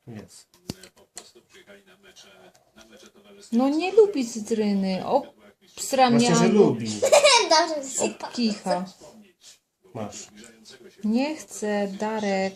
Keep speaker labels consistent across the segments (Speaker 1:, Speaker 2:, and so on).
Speaker 1: Jest.
Speaker 2: No nie lubi cytryny. Obsra
Speaker 1: Właśnie, że
Speaker 2: mnie
Speaker 1: lubi.
Speaker 3: Dobrze,
Speaker 2: obkicha.
Speaker 1: Masz.
Speaker 2: Nie chcę, Darek.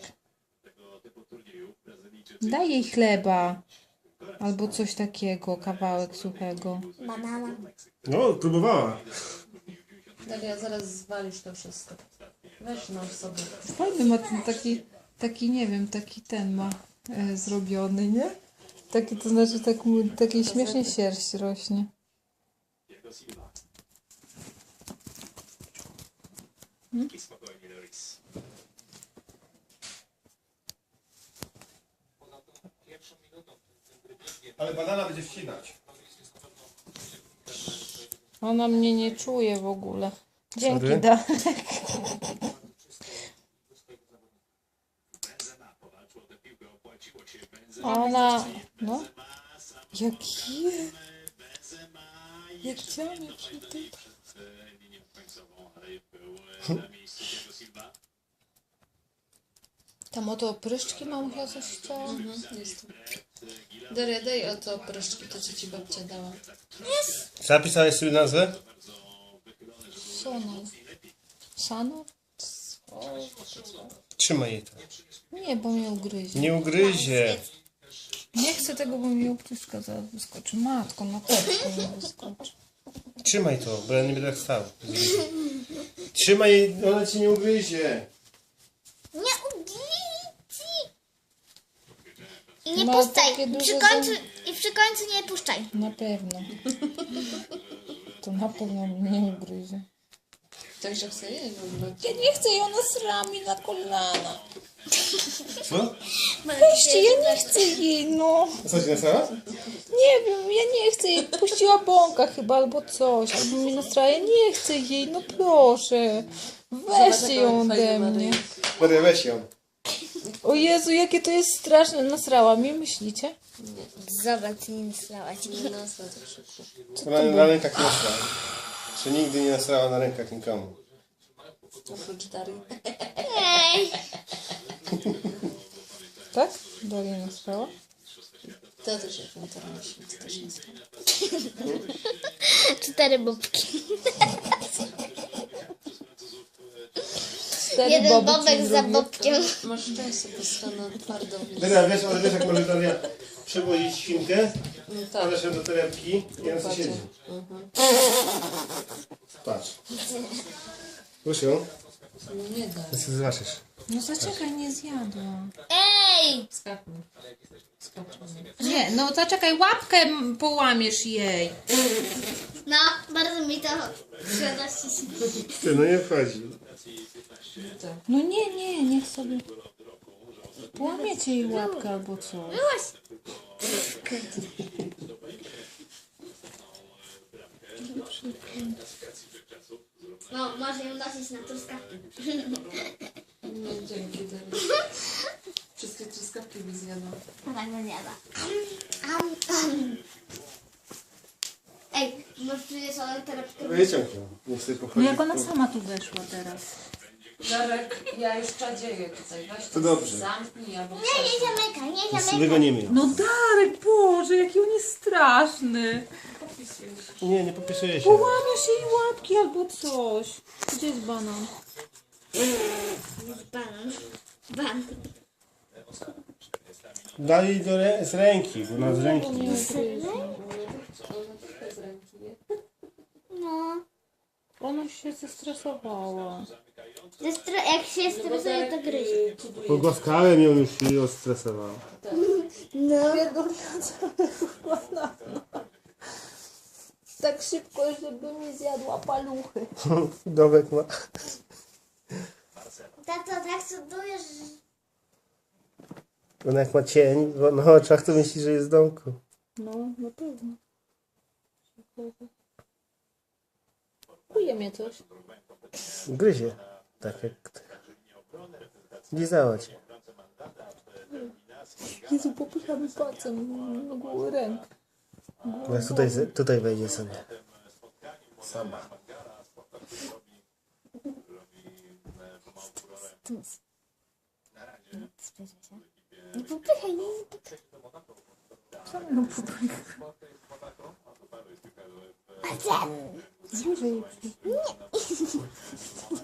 Speaker 2: Daj jej chleba. Albo coś takiego, kawałek suchego.
Speaker 3: banana.
Speaker 1: No, próbowała.
Speaker 4: Daria, zaraz zwalisz to wszystko. Weź noż sobie.
Speaker 2: Fajny ma ten taki nie wiem, taki ten ma zrobiony, nie? Taki, to znaczy takiej śmiesznie sierść rośnie.
Speaker 1: Ale banana będzie wcinać.
Speaker 2: Ona mnie nie czuje w ogóle. Dzięki,
Speaker 1: Sorry.
Speaker 2: Darek. Ona... No. Jakie? Jak chciałam przy tym. Tam oto opryszczki mamusia coś chciała.
Speaker 4: Jest tu. Daria, daj oto proszczki, to co ci babcia dała.
Speaker 1: Zapisałeś sobie nazwę?
Speaker 2: Sonal. Sanal?
Speaker 1: Trzymaj jej to.
Speaker 2: Nie, bo mnie ugryzie.
Speaker 1: Nie ugryzie.
Speaker 2: Nie chcę tego, bo mi opryszka zaraz wyskoczy. Matko, na pewno mi wyskoczy.
Speaker 1: Trzymaj to, bo ja nie będę tak stał. Trzymaj jej, ona ci nie ugryzie.
Speaker 3: Nie ugryzi. I nie
Speaker 2: Ma
Speaker 3: puszczaj.
Speaker 2: takie duże
Speaker 3: Przy końcu nie puszczaj.
Speaker 2: Na pewno. To na pewno mnie nie ugryzie.
Speaker 4: Tak, że chce jeść w ogóle.
Speaker 2: Ja nie chcę, i ona srami na kolana.
Speaker 1: Co?
Speaker 2: Weźcie, ja nie chcę jej, no.
Speaker 1: Co ci nasrała?
Speaker 2: Nie wiem, ja nie chcę jej. Puściła bąka chyba, albo coś. Albo mi nastraja. Nie chcę jej, no proszę. Weźcie ją ode mnie.
Speaker 1: Maria, weź ją.
Speaker 2: O Jezu, jakie to jest straszne. Nasrała mi, myślicie?
Speaker 3: Zobacz, nie nasrałaś.
Speaker 4: Nie nasra to szybko.
Speaker 1: Ona na rękach nie nasrała. Czy nigdy nie nasrała na rękach nikomu?
Speaker 4: Oprócz Darii.
Speaker 3: Ej.
Speaker 2: Tak? Daria nasrała?
Speaker 4: To też jak na to myśli, to też nasra.
Speaker 3: 4 bobki.
Speaker 2: 4
Speaker 3: Jeden
Speaker 2: boby
Speaker 3: bobek
Speaker 2: ci
Speaker 3: za
Speaker 2: zrobię.
Speaker 3: bobkiem.
Speaker 4: Masz często po stronę twardo.
Speaker 1: Daria, wiesz, ale wiesz jak może Daria przewozić świnkę?
Speaker 4: No tak.
Speaker 1: Wkładasz ją do torebki i ona sobie siedzi. Patrz. Rusz ją.
Speaker 4: Nie da.
Speaker 1: Ty sobie zobaczysz.
Speaker 2: No zaczekaj, nie zjadła.
Speaker 3: Ej!
Speaker 4: Skaknij. Skaczemy.
Speaker 2: Nie, no zaczekaj, łapkę połamiesz jej.
Speaker 3: No, bardzo mi to przyjemności.
Speaker 1: Ty, no nie wchodzi.
Speaker 2: No nie, niech sobie... Połamiecie jej łapkę albo coś.
Speaker 3: Byłaś. No, może ją nosić na truskawki.
Speaker 4: No dzięki Daria. Wszystkie truskawki mi zjadła.
Speaker 3: Tak nie jada. Ej, może przyjdziesz ale torebkę.
Speaker 1: Wyciąg ją. Niech sobie
Speaker 2: No
Speaker 1: pochodzi.
Speaker 2: jak ona sama tu weszła teraz.
Speaker 4: Darek, ja już czadzieję tutaj. Weź
Speaker 1: To dobrze.
Speaker 4: zamknij albo
Speaker 3: Nie zamykaj, nie zamykaj.
Speaker 1: Wygonimy ją.
Speaker 2: No Darek, Boże, jaki on jest straszny.
Speaker 1: Nie popisuje się.
Speaker 2: Połamiesz jej łapki albo coś. Gdzie jest banan?
Speaker 3: Banan. Banan.
Speaker 1: Daj jej z ręki, bo ona z ręki.
Speaker 3: No.
Speaker 2: Ona się zestresowała.
Speaker 3: Jak się stresuje, to gryzie.
Speaker 1: Pogłaskałem ją już i ją stresowała.
Speaker 3: No.
Speaker 2: Tak szybko, żeby mi zjadła paluchy.
Speaker 1: Domek ma.
Speaker 3: Tato, tak cudujesz.
Speaker 1: Ona jak ma cień na oczach, to myśli, że jest w domku.
Speaker 2: No, na pewno. Kuje mnie coś.
Speaker 1: Gryzie. Tak jak... Lizała cię.
Speaker 2: Jezu, popychamy palcem na głowę ręk.
Speaker 1: Teraz tutaj wejdzie sobie. Sama.
Speaker 3: Spojrzę się. Nie popychaj, nie popychaj.
Speaker 2: Co mi ją popycha?
Speaker 3: A ten.
Speaker 2: Bliżej.